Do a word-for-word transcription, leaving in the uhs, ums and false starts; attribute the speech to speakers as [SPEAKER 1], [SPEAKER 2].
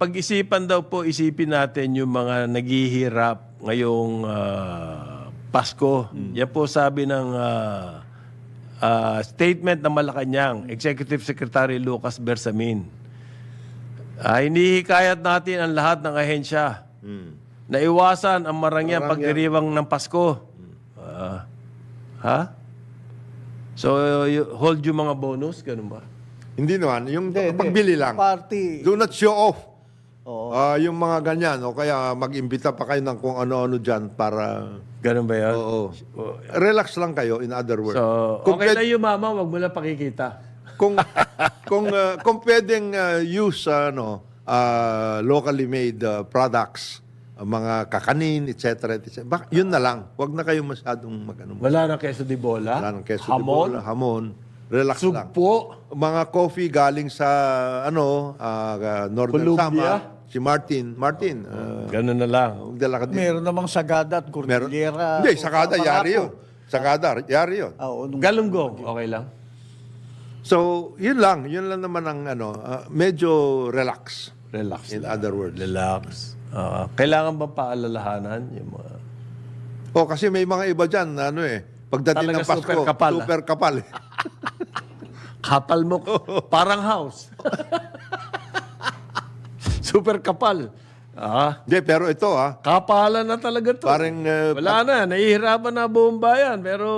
[SPEAKER 1] pag-isipan daw po, isipin natin yung mga naghihirap ngayong ah, Pasko. Yan po sabi ng ah, ah, statement ng Malacanang, Executive Secretary Lucas Bersamin. Ah, hinihikayat natin ang lahat ng ahensya na iwasan ang marangyang pagdiriwang ng Pasko. Ah, ha? So, y- hold yung mga bonus, ganun ba?
[SPEAKER 2] Hindi naman, yung
[SPEAKER 3] Hindi, hindi.
[SPEAKER 2] pagbili lang.
[SPEAKER 3] Party.
[SPEAKER 2] Do not show off.
[SPEAKER 3] Oo.
[SPEAKER 2] Ah, yung mga ganyan, o kaya mag-imbita pa kayo ng kung ano-ano dyan para...
[SPEAKER 1] Ganun ba yan?
[SPEAKER 2] Oo. Relax lang kayo, in other words.
[SPEAKER 1] So,
[SPEAKER 2] Kung
[SPEAKER 1] okay
[SPEAKER 2] pwed-
[SPEAKER 1] na yung mama, wag mo lang pakikita.
[SPEAKER 2] kung kung ah, kung pwedeng ah, use ano ah, locally made ah, products, ah, mga kakanin, et cetera et cetera. Bak- yun na lang. Huwag na kayo masyadong magano.
[SPEAKER 1] Wala na queso de bola,
[SPEAKER 2] Wala ng queso de
[SPEAKER 1] hamon,
[SPEAKER 2] bola, hamon. Relax lang.
[SPEAKER 1] sugpo,
[SPEAKER 2] Mga coffee galing sa ano ah, Northern
[SPEAKER 1] Columbia.
[SPEAKER 2] Samar, si Martin. Martin, ah,
[SPEAKER 1] ganun na lang.
[SPEAKER 2] magdala ka din.
[SPEAKER 3] Meron namang Sagada at
[SPEAKER 2] Meron.
[SPEAKER 3] Cordillera.
[SPEAKER 2] Hindi, Sagada,
[SPEAKER 3] Mga
[SPEAKER 2] yari
[SPEAKER 3] po.
[SPEAKER 2] yun. Sagada, yari yun.
[SPEAKER 3] Ah, Oo, nung-
[SPEAKER 1] Galunggong, okay lang.
[SPEAKER 2] So, yun lang. Yun lang naman ang ano, ah, medyo relax.
[SPEAKER 1] Relax.
[SPEAKER 2] In other words.
[SPEAKER 1] Relax. Ah, kailangan ba paalalahanan yung mga...
[SPEAKER 2] Oh, kasi may mga iba dyan, na ano eh, pagdating
[SPEAKER 1] Talaga
[SPEAKER 2] ng Pasko,
[SPEAKER 1] super kapal, ah.
[SPEAKER 2] super kapal. eh.
[SPEAKER 1] Kapal mo, parang house. Super kapal. Ah,
[SPEAKER 2] Hindi, pero ito ah,
[SPEAKER 1] kapalan na talaga to.
[SPEAKER 2] parang ah,
[SPEAKER 1] Wala na, nahihirapan na buong bayan, pero